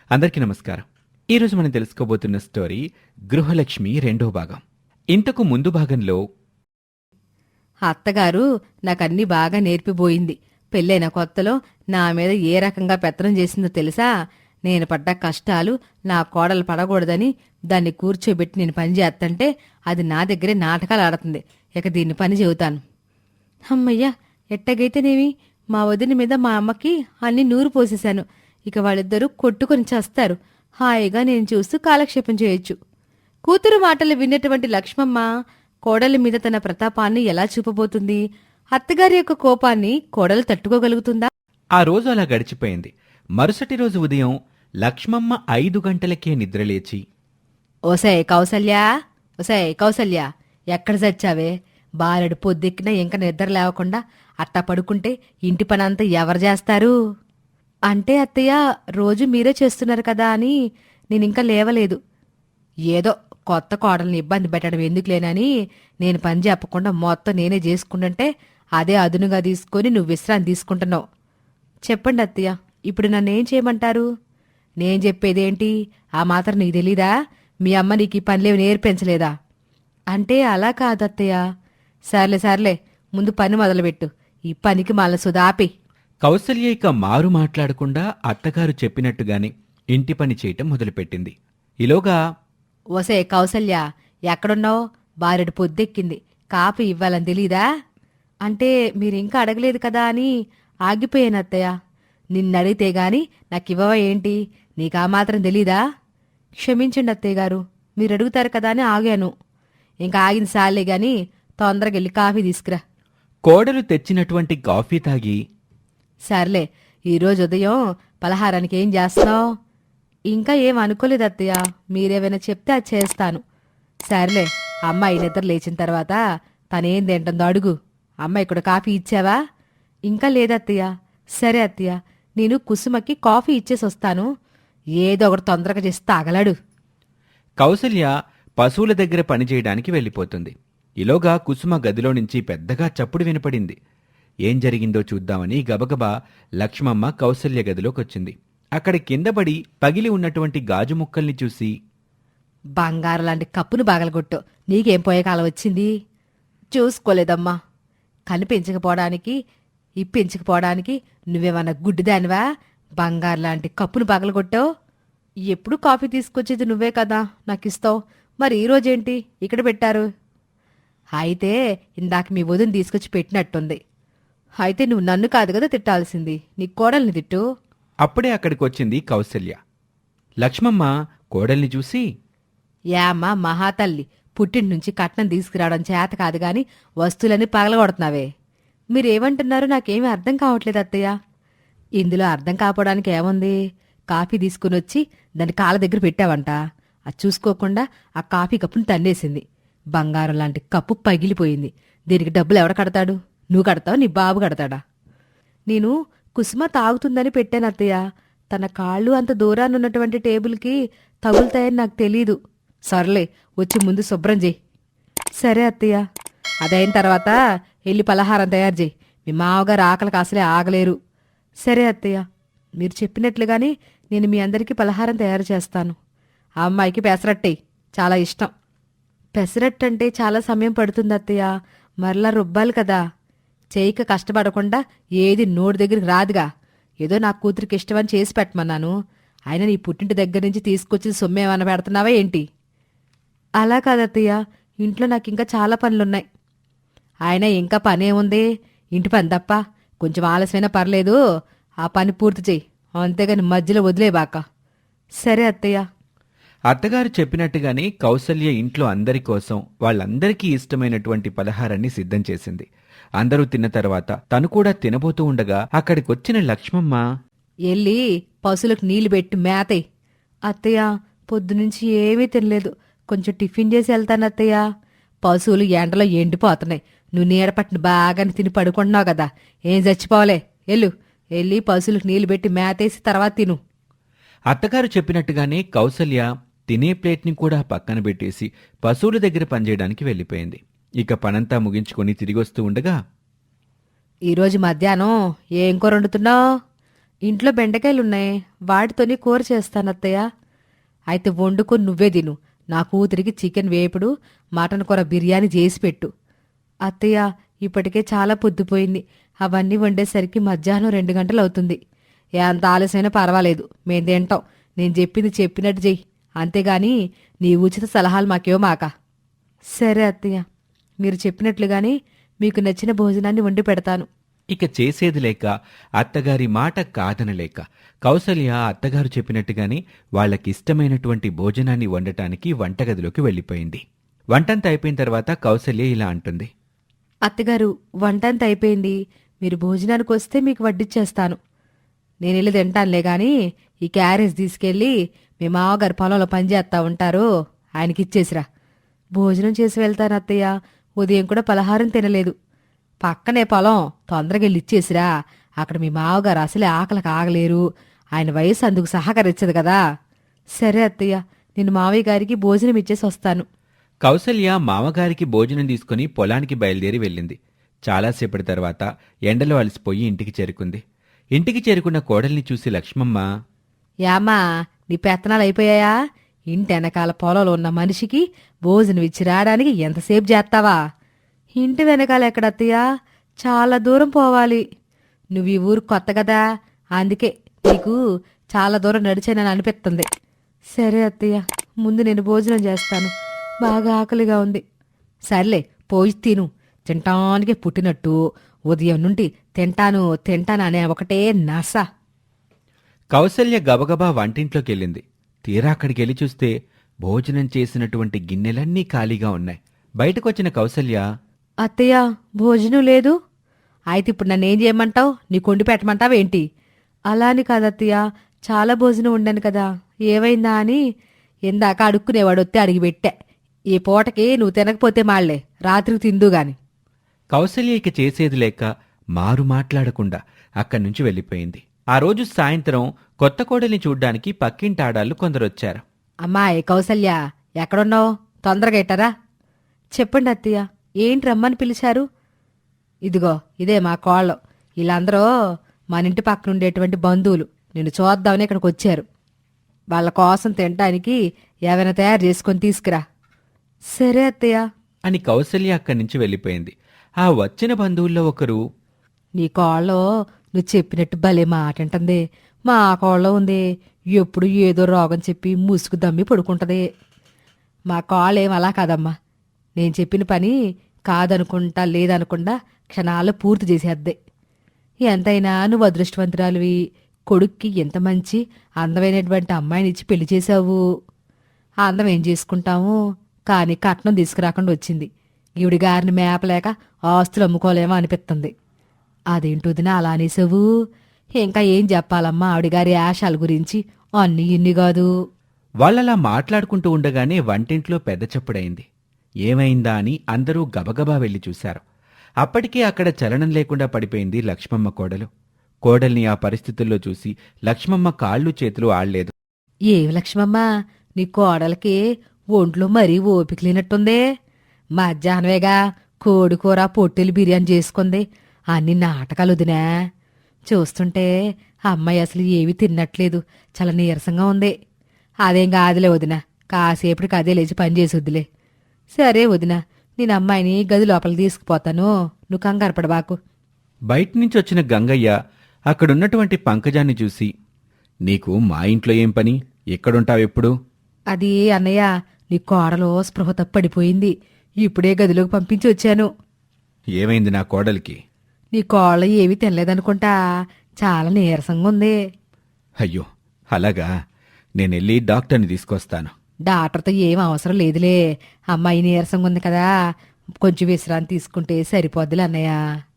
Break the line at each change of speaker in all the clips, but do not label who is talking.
అందరికీ నమస్కారం. ఈరోజు మనం తెలుసుకోబోతున్న స్టోరీ గృహలక్ష్మి రెండో భాగం. ఇంతకు ముందు భాగంలో
అత్తగారు నాకన్నీ బాగా నేర్పిపోయింది. పెళ్ళైన కొత్తలో నా మీద ఏ రకంగా పెత్తనం చేసిందో తెలుసా? నేను పడ్డ కష్టాలు నా కోడలు పడకూడదని దాన్ని కూర్చోబెట్టి నేను పని చేస్తంటే అది నా దగ్గరే నాటకాలు ఆడుతుంది. ఇక దీన్ని పని చెబుతాను. అమ్మయ్యా, ఎట్టగైతేనేమి మా వదిన మీద మా అమ్మకి అన్ని నూరు పోసేశాను. ఇక వాళ్ళిద్దరూ కొట్టుకొని చేస్తారు. హాయిగా నేను చూస్తూ కాలక్షేపం చేయొచ్చు. కూతురు మాటలు విన్నటువంటి లక్ష్మమ్మ కోడలి మీద తన ప్రతాపాన్ని ఎలా చూపబోతుంది? అత్తగారి యొక్క కోపాన్ని కోడలు తట్టుకోగలుగుతుందా?
ఆ రోజు అలా గడిచిపోయింది. మరుసటి రోజు ఉదయం లక్ష్మమ్మ 5 గంటలకే నిద్రలేచి,
ఓసే కౌసల్యా, ఓసే కౌసల్యా, ఎక్కడ చచ్చావే? బారెడు పొద్దెక్కినా ఇంకా నిద్ర లేవకుండా అట్టా పడుకుంటే ఇంటి పనంతా ఎవరు చేస్తారు? అంటే అత్తయ్య, రోజు మీరే చేస్తున్నారు కదా అని నేనింకా లేవలేదు. ఏదో కొత్త కోడల్ని ఇబ్బంది పెట్టడం ఎందుకులేనని నేను పని చెప్పకుండా మొత్తం నేనే చేసుకుంటుంటే అదే అదునుగా తీసుకొని నువ్వు విశ్రాంతి తీసుకుంటున్నావు. చెప్పండి అత్తయ్య, ఇప్పుడు నన్నేం చేయమంటారు? నేను చెప్పేదేంటి? ఆ మాత్రం నీకు తెలీదా? మీ అమ్మ నీకు ఈ పనిలేవి నేర్పించలేదా? అంటే అలా కాదత్తయ్య. సర్లే సర్లే, ముందు పని మొదలుపెట్టు. ఈ పనికి మళ్ళీ సుధాపి.
కౌసల్య ఇక మారు మాట్లాడకుండా అత్తగారు చెప్పినట్టుగానే ఇంటి పని చేయటం మొదలుపెట్టింది. ఈలోగా,
ఓసే కౌసల్య, ఎక్కడున్నావు? బారెడు పొద్దెక్కింది, కాఫీ ఇవ్వాలని తెలీదా? అంటే మీరింకా అడగలేదు కదా అని ఆగిపోయాను అత్తయ్య. నిన్నడిగితే గాని నాకివ్వవా ఏంటి? నీకా మాత్రం తెలీదా? క్షమించండి అత్తయ్య గారు, మీరు అడుగుతారు కదా అని ఆగాను. ఇంకా ఆగింది సాలే గాని తొందరగా వెళ్ళి కాఫీ తీసుకురా.
కోడలు తెచ్చినటువంటి కాఫీ తాగి,
సర్లే, ఈరోజు ఉదయం పలహారానికి ఏం చేస్తున్నావు? ఇంకా ఏం అనుకోలేదు అత్తయ్య, మీరేమైనా చెప్తే అది చేస్తాను. సర్లే, అమ్మాయి నిద్ర లేచిన తర్వాత తనేం తింటుందో అడుగు. అమ్మాయి కూడా కాఫీ ఇచ్చావా? ఇంకా లేదత్తయ్య. సరే అత్తయ్య, నేను కుసుమకి కాఫీ ఇచ్చేసి వస్తాను. ఏదో ఒకటి తొందరగా చేసి తాగలాడు.
కౌసల్య పశువుల దగ్గర పనిచేయడానికి వెళ్ళిపోతుంది. ఈలోగా కుసుమ గదిలో నుంచి పెద్దగా చప్పుడు వినపడింది. ఏం జరిగిందో చూద్దామని గబగబా లక్ష్మమ్మ కౌసల్య గదిలోకొచ్చింది. అక్కడ కిందపడి పగిలి ఉన్నటువంటి గాజు ముక్కల్ని చూసి,
బంగారం లాంటి కప్పును బాగలగొట్టు. నీకేం పోయే కాలం వచ్చింది? చూసుకోలేదమ్మా. కనిపించకపోవడానికి ఇప్పించకపోవడానికి నువ్వేమన్నా గుడ్డిదానివా? బంగారు లాంటి కప్పును పగలగొట్టావు. ఎప్పుడు కాఫీ తీసుకొచ్చేది నువ్వే కదా నాకిస్తావు. మరి ఈరోజేంటి ఇక్కడ పెట్టారు? అయితే ఇందాక మీ వదిన తీసుకొచ్చి పెట్టినట్టుంది. అయితే నువ్వు నన్ను కాదు కదా తిట్టాల్సింది, నీ కోడల్ని తిట్టు.
అప్పుడే అక్కడికొచ్చింది కౌసల్య. లక్ష్మమ్మ కోడల్ని చూసి,
యామ్మా మహాతల్లి, పుట్టింటి నుంచి కట్నం తీసుకురావడం చేత కాదు గాని వస్తువులన్నీ పగలగొడుతున్నావే. మీరేమంటున్నారో నాకేమీ అర్థం కావట్లేదు అత్తయ్య. ఇందులో అర్థం కాపోవడానికి ఏముంది? కాఫీ తీసుకుని వచ్చి దాని కాళ్ళ దగ్గర పెట్టావంట. అది చూసుకోకుండా ఆ కాఫీ కప్పుని తన్నేసింది. బంగారం లాంటి కప్పు పగిలిపోయింది. దీనికి డబ్బులు ఎవడ కడతాడు? నువ్వు కడతావు, నీ బాబు కడతాడా? నేను కుసుమ తాగుతుందని పెట్టాను అత్తయ్య. తన కాళ్ళు అంత దూరానున్నటువంటి టేబుల్కి తగులుతాయని నాకు తెలీదు. సర్లే, వచ్చి ముందు శుభ్రం చేయి. సరే అత్తయ్య. అదైన తర్వాత వెళ్ళి పలహారం తయారు చేయి. మీ మావగారు ఆకలికి అసలే ఆగలేరు. సరే అత్తయ్య, మీరు చెప్పినట్లుగానే నేను మీ అందరికీ పలహారం తయారు చేస్తాను. ఆ అమ్మాయికి పెసరట్టేయి, చాలా ఇష్టం. పెసరట్టంటే చాలా సమయం పడుతుంది అత్తయ్య, మరలా రుబ్బాలి కదా. చేయక కష్టపడకుండా ఏది నోటి దగ్గరికి రాదుగా. ఏదో నా కూతురికి ఇష్టమని చేసి పెట్టమన్నాను. ఆయన నీ పుట్టింటి దగ్గర నుంచి తీసుకొచ్చి సొమ్మేమన్నా పెడుతున్నావా ఏంటి? అలా కాదత్తయ్య, ఇంట్లో నాకింకా చాలా పనులున్నాయి. ఆయన ఇంకా పనేముంది? ఇంటి పని తప్ప. కొంచెం ఆలస్యమైనా పర్లేదు, ఆ పని పూర్తి చెయ్యి. అంతేగాని మధ్యలో వదిలేబాక. సరే అత్తయ్య.
అత్తగారు చెప్పినట్టుగానే కౌసల్య ఇంట్లో అందరి కోసం వాళ్ళందరికీ ఇష్టమైనటువంటి పలహారాన్ని సిద్ధం చేసింది. అందరూ తిన్న తర్వాత తను కూడా తినబోతూ ఉండగా అక్కడికొచ్చిన లక్ష్మమ్మ,
ఎల్లి పశువులకు నీళ్లు పెట్టి మేతయ్. అత్తయ్య, పొద్దునుంచి ఏమీ తినలేదు, కొంచెం టిఫిన్ చేసి వెళ్తాను అత్తయ్య. పశువులు ఎండలో ఎండిపోతున్నాయి. నువ్వు నీడపట్టిన బాగానే తిని పడుకుంటున్నావు కదా, ఏం చచ్చిపోవలే. వెళ్ళి పశువులకు నీళ్లు పెట్టి మేతేసి తర్వాత తిను.
అత్తగారు చెప్పినట్టుగానే కౌసల్య తినే ప్లేట్ని కూడా పక్కన పెట్టేసి పశువుల దగ్గర పనిచేయడానికి వెళ్ళిపోయింది. ఇక పనంతా ముగించుకొని తిరిగొస్తూ ఉండగా,
ఈరోజు మధ్యాహ్నం ఏం కూర వండుతున్నావు? ఇంట్లో బెండకాయలున్నాయి, వాటితోనే కూర చేస్తానత్తయ్య. అయితే వండుకొని నువ్వే తిను. నా కూతురికి చికెన్ వేపుడు, మటన్ కూర బిర్యానీ చేసి పెట్టు. అత్తయ్య, ఇప్పటికే చాలా పొద్దుపోయింది. అవన్నీ వండేసరికి మధ్యాహ్నం 2 గంటలు అవుతుంది. ఎంత ఆలస్యమైనా పర్వాలేదు, మేం తింటాం. నేను చెప్పింది చెప్పినట్టు చెయ్యి. అంతేగాని నీ ఉచిత సలహాలు మాకేవో. సరే అత్తయ్య, మీరు చెప్పినట్లుగానే మీకు నచ్చిన భోజనాన్ని వండి పెడతాను.
ఇక చేసేది లేక అత్తగారి మాట కాదనలేక కౌసల్య అత్తగారు చెప్పినట్టుగానే వాళ్ళకిష్టమైనటువంటి భోజనాన్ని వండటానికి వంటగదిలోకి వెళ్ళిపోయింది. వంటంతా అయిపోయిన తర్వాత కౌసల్య ఇలా అంటుంది.
అత్తగారు, వంటంత అయిపోయింది. మీరు భోజనానికి వస్తే మీకు వడ్డిచ్చేస్తాను. నేనెళ్ళి తింటానులే గాని ఈ క్యారేజ్ తీసుకెళ్ళి మీ మామగారు పొలంలో పనిచేస్తా ఉంటారు, ఆయనకిచ్చేసిరా. భోజనం చేసి వెళ్తాను అత్తయ్య. ఉదయం కూడా పలహారం తినలేదు. పక్కనే పొలం, తొందరగా వెళ్ళి ఇచ్చేసిరా. అక్కడ మీ మామగారు అసలే ఆకలికి ఆగలేరు. ఆయన వయసు అందుకు సహకరించదు కదా. సరే అత్తయ్య, నేను మావయ్య గారికి భోజనం ఇచ్చేసి వస్తాను.
కౌసల్య మామగారికి భోజనం తీసుకుని పొలానికి బయలుదేరి వెళ్ళింది. చాలాసేపటి తర్వాత ఎండలో అలసిపోయి ఇంటికి చేరుకుంది. ఇంటికి చేరుకున్న కోడల్ని చూసి లక్ష్మమ్మ,
యామ్మా, నీ పెత్తనాలు అయిపోయాయా? ఇంటి వెనకాల పొలంలో ఉన్న మనిషికి భోజనం ఇచ్చి రావడానికి ఎంతసేపు చేస్తావా? ఇంటి వెనకాల ఎక్కడత్తయ్యా? చాలా దూరం పోవాలి. నువ్వు ఈ ఊరు కొత్త కదా, అందుకే నీకు చాలా దూరం నడిచానని అనిపిస్తుంది. సరే అత్తయ్య, ముందు నేను భోజనం చేస్తాను. బాగా ఆకలిగా ఉంది. సర్లే, పోయి తిను. తింటానికి పుట్టినట్టు ఉదయం నుండి తింటాను తింటాను అనే ఒకటే నస.
కౌసల్య గబగబా వంటింట్లోకెళ్ళింది. తీరా అక్కడికెళ్ళి చూస్తే భోజనం చేసినటువంటి గిన్నెలన్నీ ఖాళీగా ఉన్నాయి. బయటకొచ్చిన కౌసల్య,
అత్తయ్య, భోజనం లేదు. అయితే ఇప్పుడు నన్నేం చేయమంటావు? నీ కొండి పెట్టమంటావేంటి? అలా అని కాదత్తయ్య, చాలా భోజనం ఉండాను కదా, ఏమైందా అని ఇందాక అడుక్కునేవాడు వస్తే అడిగి పెట్టా. ఈ పూటకి నువ్వు తినకపోతే మాళ్లే, రాత్రికి తిందుగాని.
కౌసల్య ఇక చేసేది లేక మారు మాట్లాడకుండా అక్కడి నుంచి వెళ్ళిపోయింది. ఆ రోజు సాయంత్రం కొత్త కోడల్ని చూడ్డానికి పక్కింటాడాళ్ళు కొందరొచ్చారు.
అమ్మాయి కౌసల్య, ఎక్కడున్నావు? తొందరగా ఇట్టరా. చెప్పండి అత్తయ్య, ఏంటి రమ్మని పిలిచారు? ఇదిగో ఇదే మా కోళ్ళం. వీళ్ళందరూ మన ఇంటి పక్కన ఉండేటువంటి బంధువులు. నిన్ను చూద్దామని ఇక్కడికి వచ్చారు. వాళ్ళ కోసం తినడానికి ఏమైనా తయారు చేసుకొని తీసుకురా. సరే అత్తయ్య
అని కౌసల్య అక్కడి నుంచి వెళ్ళిపోయింది. ఆ వచ్చిన బంధువుల్లో ఒకరు,
నీ కోళ్ళో నువ్వు చెప్పినట్టు భలే మాటంటుంది. మా కోళ్ళో ఉంది, ఎప్పుడు ఏదో రోగం చెప్పి ముసుగు దమ్మి పడుకుంటది. మా కోళ్ళేం అలా కాదమ్మా. నేను చెప్పిన పని కాదనుకుంటా లేదనుకుండా క్షణాల్లో పూర్తి చేసేద్దే. ఎంతైనా నువ్వు అదృష్టవంతురాలివి. కొడుక్కి ఎంత మంచి అందమైనటువంటి అమ్మాయినిచ్చి పెళ్లి చేశావు. ఆ అందం ఏం చేసుకుంటాము, కానీ కట్నం తీసుకురాకుండా వచ్చింది. ఈవిడి గారిని మేపలేక ఆస్తులు అమ్ముకోలేమో అనిపిస్తుంది. అదేంటొదినా అలా అనేసావు? ఇంకా ఏం చెప్పాలమ్మా ఆవిడగారి ఆశాల గురించి? అన్నీ ఇన్ని కాదు.
వాళ్ళలా మాట్లాడుకుంటూ ఉండగానే వంటింట్లో పెద్ద చప్పుడైంది. ఏమైందా అని అందరూ గబగబా వెళ్లి చూశారు. అప్పటికే అక్కడ చలనం లేకుండా పడిపోయింది లక్ష్మమ్మ కోడలు. కోడల్ని ఆ పరిస్థితుల్లో చూసి లక్ష్మమ్మ కాళ్ళు చేతులు ఆడలేదు.
ఏమి లక్ష్మమ్మ, నీ కోడలకి ఒంట్లో మరీ ఓపిక లేనట్టుందే. మధ్యాహ్నమేగా కోడికూర పొట్టెలు బిర్యానీ చేసుకుంది. అన్ని నాటకాలు వదినా. చూస్తుంటే అమ్మాయి అసలు ఏమీ తిన్నట్లేదు, చాలా నీరసంగా ఉంది. అదేం కాదులే వదిన, కాసేపటికి అదే లేచి పనిచేసొద్దులే. సరే వదిన, నేను అమ్మాయిని గది లోపలికి తీసుకుపోతాను, నువ్వు కంగారు పడబాకు.
బయటనుంచి వచ్చిన గంగయ్య అక్కడున్నటువంటి పంకజాన్ని చూసి, నీకు మా ఇంట్లో ఏం పని? ఎక్కడుంటావెప్పుడు?
అది అన్నయ్య, నీ కోడలో స్పృహ తప్పడిపోయింది. ఇప్పుడే గదిలోకి పంపించి వచ్చాను.
ఏమైంది నా కోడలికి?
నీ కోళ్ళ ఏమీ తినలేదనుకుంటా, చాలా నీరసంగా ఉంది.
అయ్యో అలాగా, నేనెళ్ళి డాక్టర్ని తీసుకొస్తాను.
డాక్టర్తో ఏం అవసరం లేదులే, అమ్మాయి నీరసంగా ఉంది కదా, కొంచెం విశ్రాంతి తీసుకుంటే సరిపోద్దులే అన్నయ్య.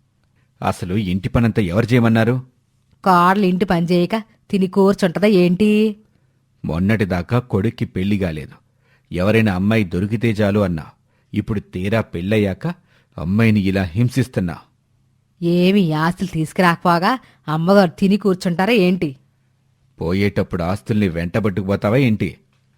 అసలు ఇంటి పనంతా ఎవరు చేయమన్నారు?
కోడలు ఇంటి పని చేయక తిని కూర్చుంటదా ఏంటి?
మొన్నటిదాకా కొడుక్కి పెళ్లి కాలేదు, ఎవరైనా అమ్మాయి దొరికితే చాలు అన్నా. ఇప్పుడు తీరా పెళ్ళయ్యాక అమ్మాయిని ఇలా హింసిస్తున్నా.
ఏమి ఆస్తులు తీసుకురాకపోగా అమ్మగారు తిని కూర్చుంటారా ఏంటి?
పోయేటప్పుడు ఆస్తుల్ని వెంటబట్టుకుపోతావా ఏంటి?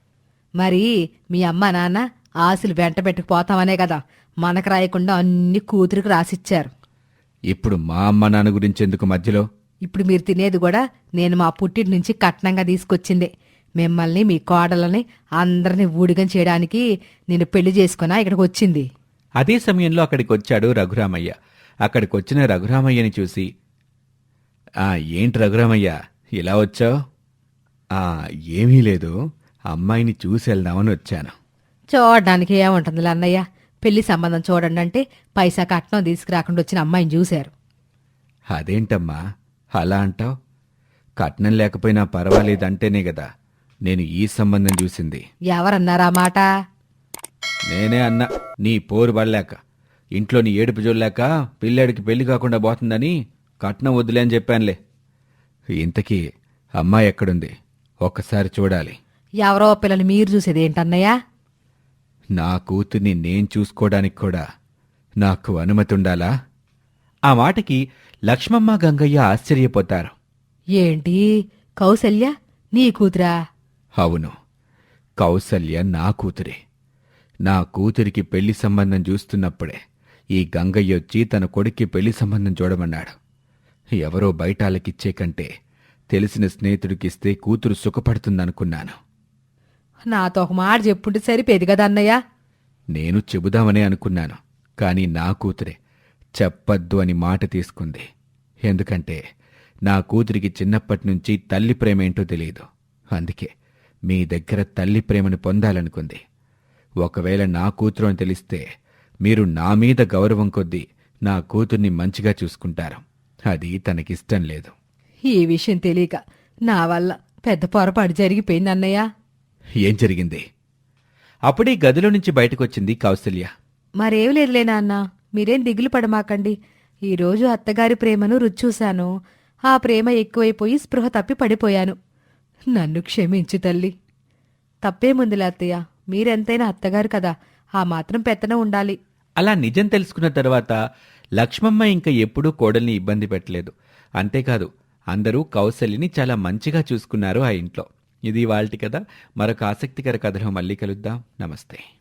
మరి మీ అమ్మ నాన్న ఆస్తులు వెంట పెట్టుకుపోతామనే కదా మనకు రాయకుండా అన్ని కూతురికి రాసిచ్చారు.
ఇప్పుడు మా అమ్మ నాన్న గురించెందుకు మధ్యలో?
ఇప్పుడు మీరు తినేది కూడా నేను మా పుట్టింటి నుంచి కట్నంగా తీసుకొచ్చిందే. మిమ్మల్ని మీ కోడలని అందరినీ ఊడిగం చేయడానికి నేను పెళ్లి చేసుకున్నా ఇక్కడికి వచ్చింది.
అదే సమయంలో అక్కడికి వచ్చాడు రఘురామయ్య. అక్కడికొచ్చిన రఘురామయ్యని చూసి, "ఆ, ఏంటి రఘురామయ్య, ఇలా వచ్చావు?" "ఆ, ఏమీ లేదు, అమ్మాయిని చూసి వెళ్దామని వచ్చాను."
చూడడానికి ఏముంటుందిలే అన్నయ్య, పెళ్లి సంబంధం చూడండి అంటే పైసా కట్నం తీసుకురాకుండా వచ్చిన అమ్మాయిని చూశారు.
"అదేంటమ్మా అలా అంటావు? కట్నం లేకపోయినా పర్వాలేదంటేనే కదా నేను ఈ సంబంధం చూసింది."
ఎవరన్నారా మాట?
నేనే అన్నా, నీ పోరు పడలేక, ఇంట్లో నీ ఏడుపు చూడలేక పిల్లాడికి పెళ్లి కాకుండా పోతుందని కట్నం వద్దులే అని చెప్పానులే. ఇంతకీ అమ్మాయి ఎక్కడుంది? ఒక్కసారి చూడాలి.
ఎవరో పిల్లలు మీరు చూసేది ఏంటన్నయ్యా?
నా కూతుర్ని నేను చూసుకోవడానికి కూడా నాకు అనుమతి ఉండాలా? ఆ మాటకి లక్ష్మమ్మ గంగయ్య ఆశ్చర్యపోతారు.
ఏంటి, కౌసల్య నీ కూతురా?
అవును, కౌసల్య నా కూతురే. నా కూతురికి పెళ్లి సంబంధం చూస్తున్నప్పుడే ఈ గంగయ్య వచ్చి తన కొడుక్కి పెళ్లి సంబంధం చూడమన్నాడు. ఎవరో బయటాలకిచ్చే కంటే తెలిసిన స్నేహితుడికిస్తే కూతురు సుఖపడుతుందనుకున్నాను.
నాతో ఒక మాట చెప్పుంటే సరిపోయేది కదా అన్నయ్య.
నేను చెబుదామనే అనుకున్నాను, కాని నా కూతురే చెప్పద్దు అని మాట తీసుకుంది. ఎందుకంటే నా కూతురికి చిన్నప్పటినుంచి తల్లి ప్రేమేంటో తెలియదు. అందుకే మీ దగ్గర తల్లి ప్రేమను పొందాలనుకుంది. ఒకవేళ నా కూతురు అని తెలిస్తే మీరు నా మీద గౌరవం కొద్దీ నా కూతుర్ని మంచిగా చూసుకుంటారు. అది తనకిష్టం లేదు.
ఈ విషయం తెలియక నా వల్ల పెద్ద పొరపాటు జరిగిపోయింది అన్నయ్య.
ఏం జరిగింది? అప్పుడే గదిలో నుంచి బయటకొచ్చింది కౌసల్య.
మరేం లేదులే నాన్న, మీరేం దిగులు పడమాకండి. ఈరోజు అత్తగారి ప్రేమను రుచూశాను. ఆ ప్రేమ ఎక్కువైపోయి స్పృహ తప్పి పడిపోయాను. నన్ను క్షమించు తల్లి. తప్పేముందిలే అత్తయ్య, మీరెంతైనా అత్తగారు కదా, ఆ మాత్రం పెత్తనం ఉండాలి.
అలా నిజం తెలుసుకున్న తర్వాత లక్ష్మమ్మ ఇంకా ఎప్పుడూ కోడల్ని ఇబ్బంది పెట్టలేదు. అంతేకాదు, అందరూ కౌసల్యని చాలా మంచిగా చూసుకున్నారు ఆ ఇంట్లో. ఇది ఇవాల్టి కథ. మరొక ఆసక్తికర కథలో మళ్ళీ కలుద్దాం. నమస్తే.